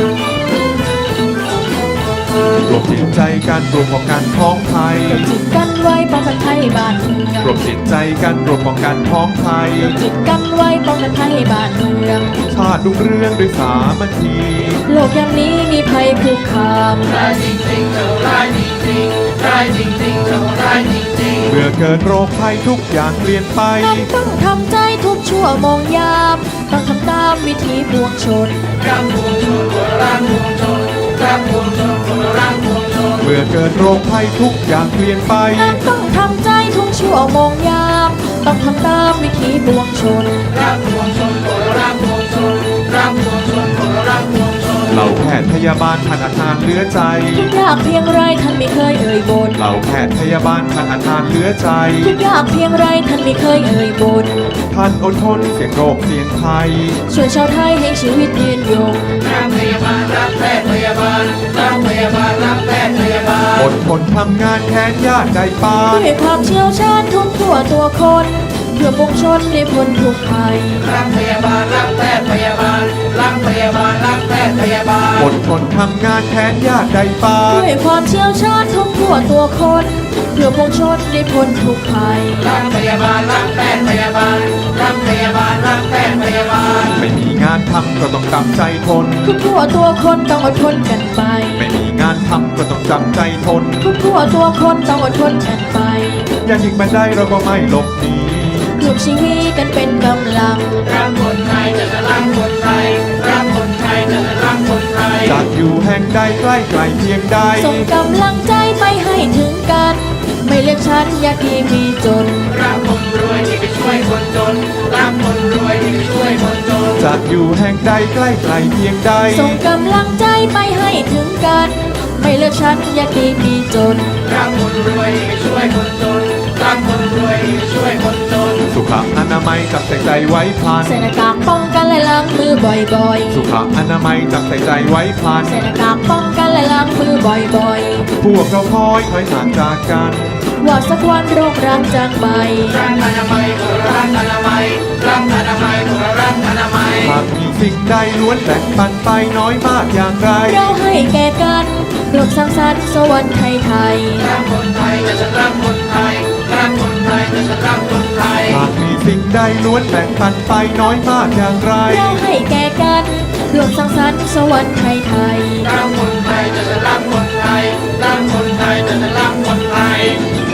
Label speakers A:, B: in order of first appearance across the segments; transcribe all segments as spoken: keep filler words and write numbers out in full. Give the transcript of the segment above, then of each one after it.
A: รวมจิตใจกันรวมป้องกันท้องไทย
B: รวมจิตกันไว้ป้องกันไทยบ้านเมือง
A: รวมจิตใจกันรวมป้องกันท้องไทย
B: รวมจิตกันไว้ป้องกันไทยบ้านเมือง
A: ชาติรุ่งเรืองด้วยสามัคคี
B: โลกยามนี้มีภัยคุกคาม
C: ร้ายจริงๆเจ้าร้ายจริงๆร้ายจริงๆเจ้าร้ายจริงๆ
A: เมื่อเกิดโรคภัยทุกอย่างเปลี่ยนไป
B: ต้องทำใจทุกชั่วโมงยามต้องทำตามวิธีปวงชน
C: รักปวงชนคนรักปวงชนรักปวงชนคนรักปวงชน
A: เมื่อเกิดโรคภัยทุกอย่างเปลี่ยนไป
B: ต้องทำใจทุกชั่วโมงยามต้องทำตามวิธีปวงชน
C: รักปวงชนคนรักปวงชนรักปวงชนคนรักปวงชน
A: เหล่าแพทย์พยาบาลท่านอาทานเหลือใจ
B: ทุกยากเพียงไรท่านไม่เคยเอ่ยบ่น
A: เหล่าแพทย์พยาบาลท่านอาทานเหลือใจ
B: ทุกยากเพียงไรท่านไม่เคยเอ่ยบ่น
A: ท่านอดทนเสี่ยงโรคเสี่ยงภัย
B: ช่วยชาวไทยให้ชีวิตยืนยง
C: รักพยาบาลรักแพทย์พยาบาลรักพยาบาลรักแพทย์พยาบาล
A: อดทนทำงานแทนญาติใจปาน
B: ด้วยความเชี่ยวชาญทุกทั่วตัวคนเพื่อปวงชนได้พ้นทุกภัย
C: รักพยาบาลรักแพทย์พยาบาลรักพยาบาลรักแพทย์พยาบาล
A: อดทนทำงานแทนญาติใจปาน
B: ด้วยความเชี่ยวชาญทุกทั่วตัวคนเพื่อปวงชนได้พ้นทุกภัย
C: รักพยาบาลรักแพทย์พยาบาลรักพยาบาลรักแพทย์พยาบาล
A: ไม่มีงานทำก็ต้องจำใจทน
B: ทุกทั่วตัวคนต้องอดทนกันไป
A: ไม่มีงานทำก็ต้องจำใจทน
B: ทุกทั่วตัวคนต้องอดทนกันไป
A: อย่ายิงมันได้เราก็ไม่หลบหนี
B: รวมชีวิตกันเป็นกำลัง
C: รักคนไทยจะรักคนไทยรักคนไทยจะรักคนไทย
A: จากอยู่แห่งใดใกล้ไกลเพียงใด
B: ส่งกำลังใจไปให้ถึงกันไม่เลือกชั้นยากดีมีจน
C: รักคนรวยที่ไปช่วยคนจนรักคนรวยที่ไปช่วยคนจน
A: จากอยู่แห่งใดใกล้ไกลเพียงใด
B: ส่งกำลังใจไปให้ถึงกันไม่เลือกชั้นยากดีมีจน
C: รักคนรวยที่ไปช่วยคนจนรักคนรวยที่ไปช่วยคนจน
A: สุขอนามัยจับใส่ใจไว้พลัน
B: ใส่หน้ากากป้องกันและล้างมือบ่อย
A: ๆสุขอนามัยจับใส่ใจไว้พลัน
B: ใส่หน้ากากป้องกันและล้างมือบ่อย
A: ๆพวกเราคอยคอยห่างจากกัน
B: ว่าสักวันโรคร้างจางไป
C: รักอนามัยคนรักอนามัยรักอนามัยคนรักอนามัย
A: หากมีสิ่งใดล้วนแบ่งปันไปน้อยมากอย่างไร
B: เราให้แก่กันโลกสร้างสรรค์สวรรค์ไทยไทย
C: รักคนไทยจะฉันรักคนไทยรักคนไทยจะฉันรักคนไทย
A: หากมีสิ่งใดล้วนแบ่งปันไปน้อยมากอย่างไร
B: เราให้แก่กันโลกสร้างสรรค์สวรรค์ไทยไทย
C: รักคนไทยจะฉันรักคนไทยรักคนไทยจะฉันรักคนไทย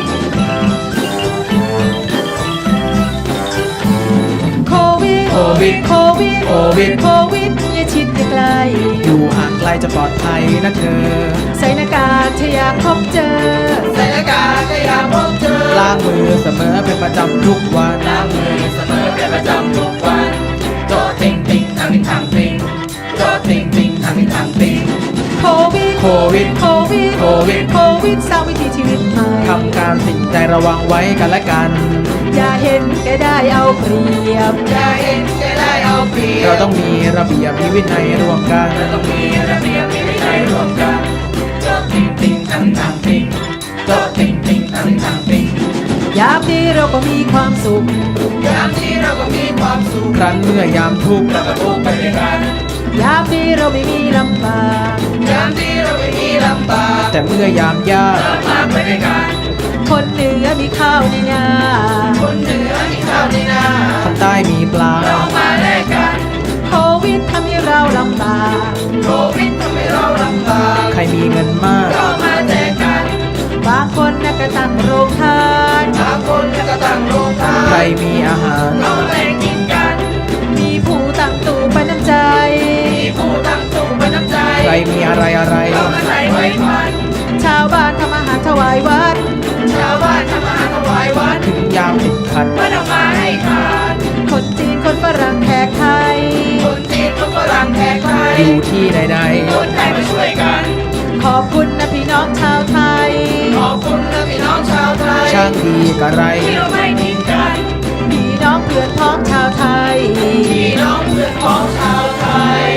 B: โควิด
C: โควิด
B: โควิด
C: โควิด
B: โควิดอย่าชิดใกล้
C: อยู่ห่างไกลจะปลอดภัยนะเธอ
B: ใส่หน้ากากถ้าอยากพบเจอ
C: ใส่หน้ากากถ้าอยากพบเจอ
A: ล้างมือเสมอเป็นประจำทุกวัน
C: ล้างมือเสมอเป็นประจำทุกวันโจติงติงทางนี้ทางติงโจติงติงทางนี้ทางติง
B: โควิด
C: โควิด
B: โควิด
C: โควิด
B: โควิดสร้างวิถีชีวิตใหม่
A: ทำการสิ่งใจระวังไว้กันและกัน
B: อย่าเห็นแก่ได้เอาเปรียบ
C: อย่าเห็นแก่ได้เอาเปรียบ
A: เราต้องมีระเบียบมีวินัยร่วมกัน
C: เราต้องมีระเบียบมีวินัยร่วมกันโจติงติงทางนี้ทางติงโจติงติงทางนี้ทางติง
B: ยามที่เราก็มีความสุข
C: ยามที่เราก็มีความสุข
A: ครั้นเมื่อยามทุกข์
C: เราก็ทุกข์ไปด้วยกัน
B: ยามที่เราไม่มีลำบาก
C: ยามที่เราไม่มีลำบาก
A: แต่เมื่อยามยาก
C: เรามาไปด้วยกัน
B: คนเหนือมีข้าวในนา
C: คนเหนือมีข้าวในนา
A: คนใต้มีปลา
C: เรามาแลกกัน
B: โควิดทำให้เราลำบาก
C: โควิดทำให้เราลำบาก
A: ใครมีเงินมาก
C: เรามาแจกกัน
B: บางคนนักกระตั้งโรงทาน
C: บางคนนักกระตั้งโรงทาน
A: ใครมีอาหาร
C: เราแบ่งกินกัน
B: มีผู้ตั้งตู้ไปน้ำใจ
C: มีผู้ตั้งตู้ไปน้ำใจ
A: ใครมีอะไรอะไร
C: เรามาใส่ไว้พัน
B: ชาวบ้านทำอาหารถวายวัด
C: ชาวบ้านทำอาหารถวายวัด
A: ถึงยามติดขัด
C: ไม่ต้องมาให้ขาด
B: คนจีนคนฝรั่งแขกไทย
C: คนจีนคนฝรั่งแขกไทย
A: อยู่ที่ใด
C: ๆคนไทยมาช่วยกัน
B: ขอบคุณนะพี่น้องชาวไทย
C: ขอบคุณนะพี่น้องชาวไทย
A: ช่างดีกะไร
C: ที่เราไม่ทิ้งกัน
B: พี่น้องเพื่อนพ้องชาวไทย
C: พี่น้องเพื่อนพ้องชาวไทย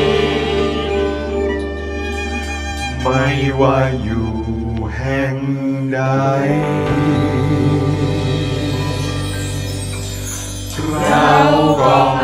A: ไม่ว่าอยู่แห่งใด
C: เราก็